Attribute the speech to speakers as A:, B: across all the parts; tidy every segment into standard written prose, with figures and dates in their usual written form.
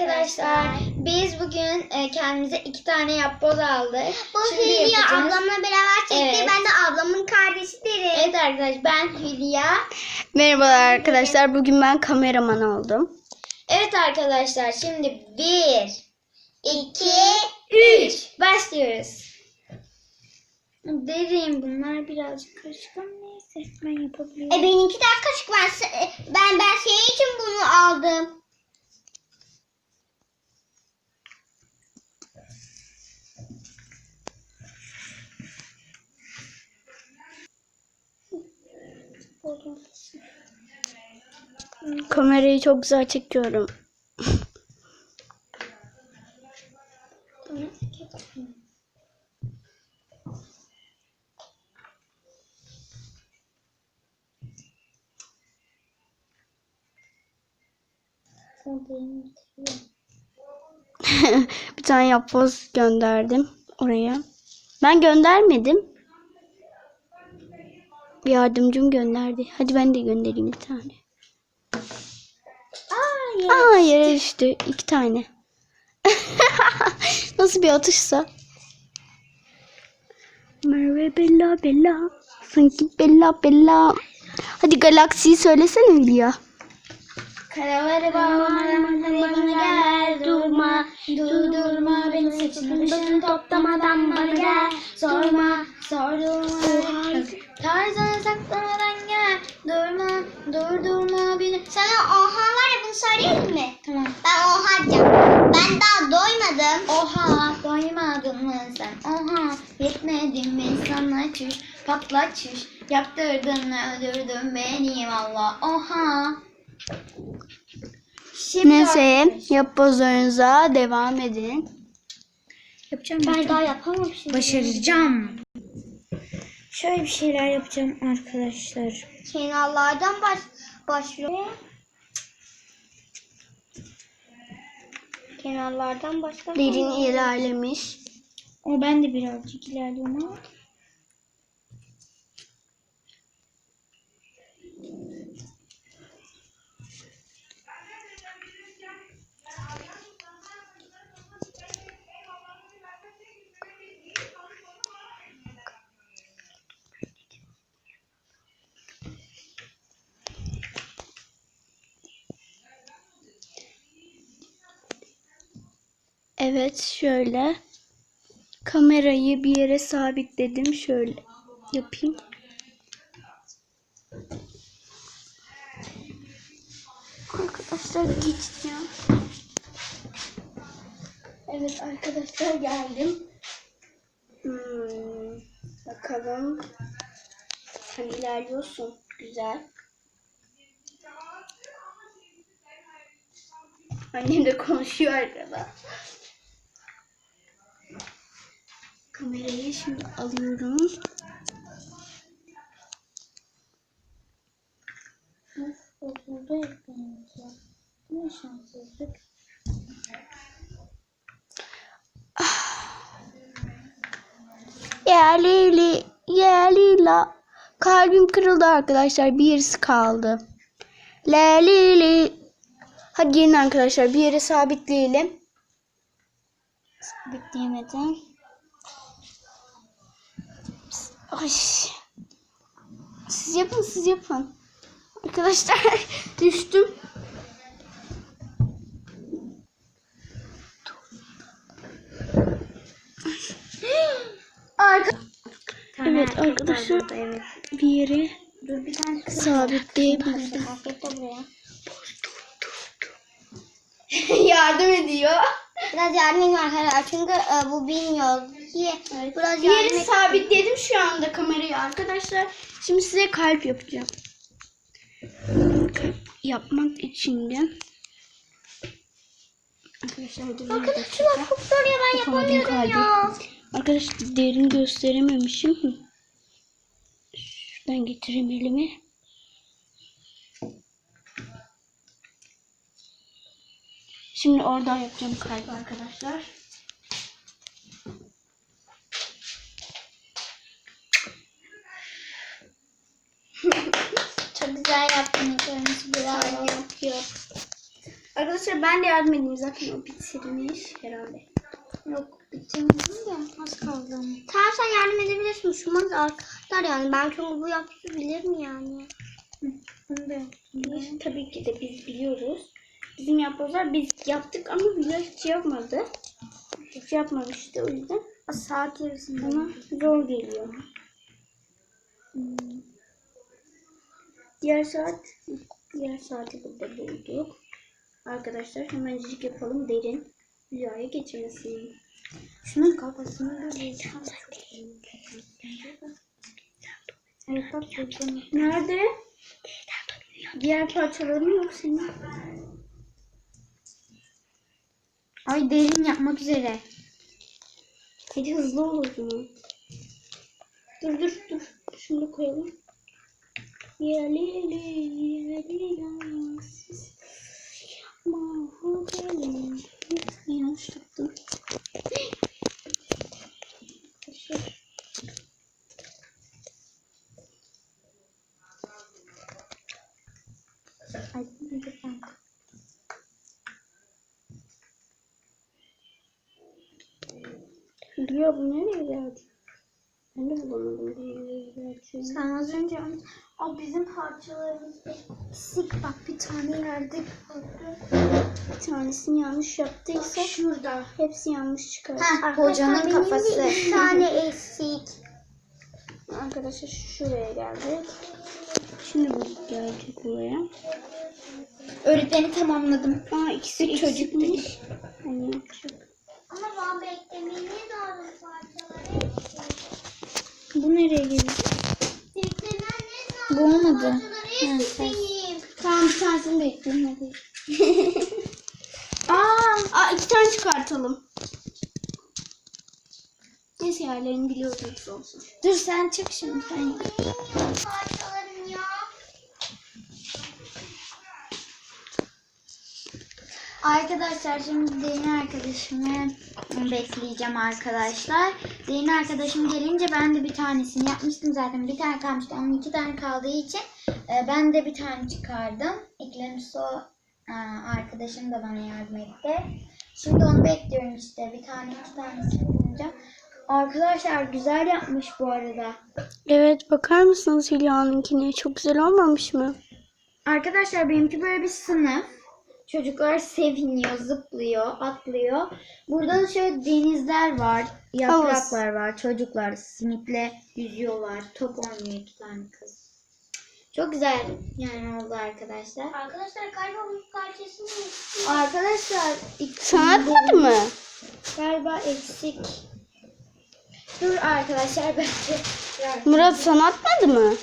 A: arkadaşlar. Biz bugün kendimize 2 tane yapboz aldık.
B: Bu
A: Şimdi
B: Hülya
A: yapacağız.
B: ablamla beraber çekti.
A: Evet.
B: Ben de ablamın kardeşiyim.
A: Evet arkadaşlar, ben Hülya.
C: Merhabalar arkadaşlar. Bugün ben kameraman oldum.
A: Evet arkadaşlar, şimdi 1, 2, 3 başlıyoruz. Derin, bunlar birazcık karışık ama neyse ben yapabiliyorum.
B: Benimki de kaşık var. Ben senin için bunu aldım.
C: Kamerayı çok güzel çekiyorum. Bir tane yapboz gönderdim oraya. Ben göndermedim. Yardımcım gönderdi. Hadi ben de göndereyim bir tane. Aa, yere düştü. 2 tane. Nasıl bir atışsa. Merve Bella Bella. Sanki Bella Bella. Hadi galaksiyi söylesene Hülya.
A: Karaları bağlamadan bana gel, durma, durdurma beni, saçını başını toplamadan bana gel, sorma, sordurma, tarzını saklamadan gel, durma, durdurma beni.
B: Sana oha var ya, bunu söyleyeyim mi?
A: Tamam.
B: Ben oha diyeceğim. Ben daha doymadım.
A: Oha, doymadın mı sen? Oha, yetmedin mi sana çüş, patla çüş, yaptırdın öldürdün beni valla. Oha. Şimdi
C: Neyse, yapbozlarınıza devam edin.
A: yapacağım.
B: Ben daha yapamamışım.
A: Başaracağım. Şöyle bir şeyler yapacağım arkadaşlar.
B: Kenarlardan başlıyor. Kenarlardan başka.
C: Derin ilerlemiş.
A: O ben de birazcık ilerliyorum ama.
C: Evet, şöyle. Kamerayı bir yere sabitledim. Şöyle yapayım. Arkadaşlar geçti ya. Evet arkadaşlar, geldim. Bakalım. Sen ilerliyorsun. Güzel. Annem de konuşuyor arkada. Kamerayı şimdi alıyorum.
A: Bozuldu ekranımız ya. Ne şanssızlık.
C: Ya Leyli, ya Lila. Kalbim kırıldı arkadaşlar. Bir yarısı kaldı. La Lili. Hadi gelin arkadaşlar, bir yere sabitleyelim. Sabitleyemedim. Ay. Siz yapın, siz yapın. Arkadaşlar düştüm. Evet arkadaşlar,
A: Evet.
C: bir yere
A: Dur bir tane kız.
C: sabitleyebildim.
B: Afiyet de buraya.
C: Yardım ediyor.
B: Biraz yardım edin arkadaşlar. Çünkü bu bilmiyor. Biraz
C: Bir
B: yardım
C: yere
B: et.
C: sabitledim şu anda kamerayı arkadaşlar. Şimdi size kalp yapacağım. Kalp yapmak için de arkadaşlar dur,
B: Arkadaşlar çok zor ya, ben
C: yapamadım
B: yapamıyorum ya.
C: Arkadaşlar derin gösterememişim. Şuradan getireyim elimi. Şimdi oradan yapacağım kalp arkadaşlar.
A: Çok güzel yaptın. Kırmızı biraz yapıyor.
C: Arkadaşlar Arkadaşlar ben de yardım edeyim. Zaten o bitirmiş herhalde.
A: Yok bitirmedim de az kaldı.
B: Tamam sen yardım edebilirsin. Şunlar arkadaşlar yani. Ben çünkü bu yapabilirim yani.
A: Bunu da yaptım.
C: Tabii ki de biz biliyoruz. Bizim yapbozlar biz yaptık ama Hülya hiç yapmadı. Hiç yapmamıştı o yüzden.
A: Saat yarısında.
C: Ona zor geliyor. Diğer saati burada bulduk. Arkadaşlar hemencik yapalım derin Hülya'ya geçmesin.
A: Şunun kafasını da bulacağım. Evet bak bulacağım.
C: Nerede? Diğer parçaların yok senin.
A: Ay derin yapmak üzere.
C: Hadi hızlı ol o zaman. Dur. Şunu da koyalım. Yanlış tuttum.
A: Ay lütfen.
C: Hülya bu nereye geldi? Ben de bulamadım. Nereye geldi?
A: Sen az önce o bizim parçalarımız eksik. Bak bir tane yerde kaldı.
C: Bir tanesini yanlış yaptıysa
A: Şurada.
C: hepsi yanlış çıkar.
A: Heh, hocanın
B: Benim de
A: kafası.
B: 2 tane eksik.
C: Arkadaşlar şuraya geldik. Şimdi bu gelecek buraya.
A: Öğretmeni tamamladım.
C: Aa ikisi çocukmuş. Hani
B: Ama ben beklemeyi lazım parçaları eksik.
C: bu nereye gelecek?
B: Beklemen
A: Bu olmadı.
B: parçaları eksik benim.
C: Tamam bir tanesini bekleyin hadi.
A: Aa,
C: 2 tane çıkartalım. Neyse yerlerini biliyoruz olsun.
A: dur sen çık şimdi sen. yap.
B: Parçalarım ya.
A: Arkadaşlar şimdi Derin arkadaşımı bekleyeceğim arkadaşlar. Derin arkadaşım gelince ben de bir tanesini yapmıştım zaten. Bir tane kalmıştı. Onun 2 tane kaldığı için ben de bir tane çıkardım. İklimso arkadaşım da bana yardım etti. Şimdi onu bekliyorum işte. Bir tane 2 tanesini bulacağım. Arkadaşlar güzel yapmış bu arada.
C: Evet bakar mısınız Hülya'nınkine? Çok güzel olmamış mı?
A: Arkadaşlar benimki böyle bir sınıf. Çocuklar seviniyor, zıplıyor, atlıyor. Burada da şöyle denizler var, yapraklar var. Çocuklar simitle yüzüyorlar. Top oynuyor 2 tane kız. Çok güzel yani oldu arkadaşlar.
B: Arkadaşlar galiba bu parçasını eksik.
A: Arkadaşlar
C: Sana atmadı mı?
A: galiba eksik. Dur arkadaşlar bence.
C: Murat sana atmadı mı?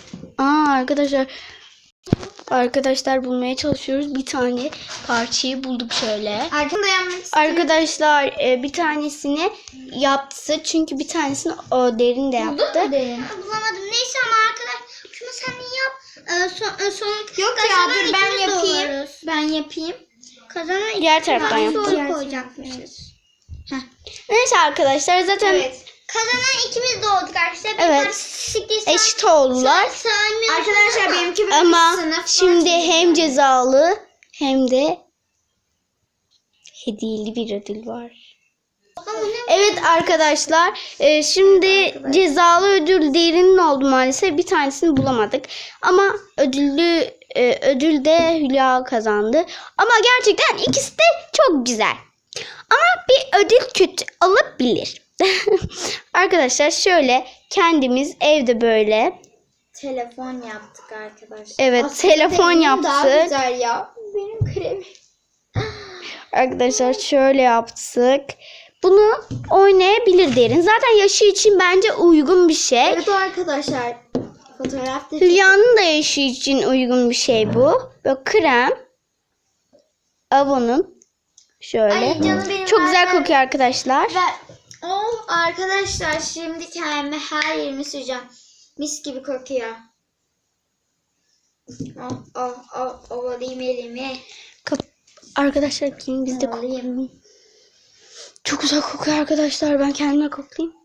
C: Arkadaşlar bulmaya çalışıyoruz. Bir tane parçayı bulduk şöyle.
A: Arkada yanmak istiyorum.
C: Arkadaşlar bir tanesini yaptı. Çünkü bir tanesini o Derin de yaptı.
A: Buldun mu Derin?
B: Bulamadım. Neyse ama arkadaşlar şunu sen yap.
A: Yok ya dur ben yapayım. Ben yapayım.
B: Kazanan
C: Diğer taraftan
B: tane
C: yaptı.
B: soru koyacakmışız.
C: Neyse arkadaşlar zaten
A: Evet.
B: Kazanan ikimiz de olduk arkadaşlar.
C: Evet. Eşit oldular.
A: Arkadaşlar benimki böyle
C: Ama
A: bir sınıf.
C: şimdi hem cezalı hem de hediyeli bir ödül var. Evet arkadaşlar şimdi cezalı ödül Derin'in oldu maalesef. Bir tanesini bulamadık. Ama ödül de Hülya kazandı. Ama gerçekten ikisi de çok güzel. Ama bir ödül kötü olabilir. Arkadaşlar şöyle kendimiz evde böyle
A: Telefon yaptık arkadaşlar.
C: Evet, telefon
A: benim Daha
C: yaptık.
A: güzel ya. Benim kremim.
C: arkadaşlar şöyle yaptık. Bunu oynayabilir Derin. Zaten yaşı için bence uygun bir şey.
A: Evet arkadaşlar. Fotoğrafta
C: Hülya'nın da yaşı için uygun bir şey bu. Böyle krem. Avon'un. Şöyle.
A: Ay canım benim,
C: Çok
A: ver,
C: güzel
A: ver.
C: kokuyor arkadaşlar.
A: Oh arkadaşlar şimdi kendime her yerimi süreceğim. Mis gibi kokuyor. Ovalayayım elimi.
C: Arkadaşlar gelin biz de koklayalım. Çok güzel kokuyor arkadaşlar. Ben kendime koklayayım.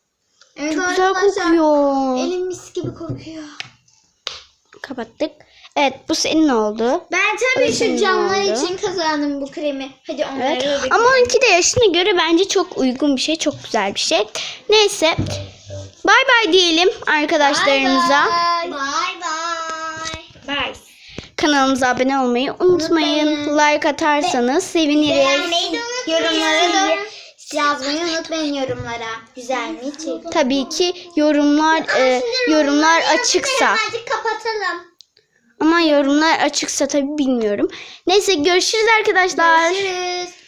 A: Evet
C: Çok güzel
A: arkadaşlar,
C: kokuyor.
A: Elim mis gibi kokuyor.
C: Kapattık. Evet, bu senin oldu.
A: Ben tabii
C: O da senin
A: şu camlar
C: oldu.
A: için kazandım bu kremi. Hadi onları
C: Evet.
A: da
C: Ama onunki de yaşına göre bence çok uygun bir şey, çok güzel bir şey. Neyse. Bay bay diyelim arkadaşlarımıza.
A: Bye
B: Bye.
A: bye.
C: Kanalımıza abone olmayı unutmayın. Like atarsanız seviniriz.
B: Beğenmeyi de unutmayın.
A: Yorumlara da yazmayı unutmayın yorumlara. Güzel mi içerik?
C: Tabii ki yorumlar açıksa.
B: Hemencik kapatalım.
C: Ama yorumlar açıksa tabii bilmiyorum. Neyse, görüşürüz arkadaşlar.
A: Görüşürüz.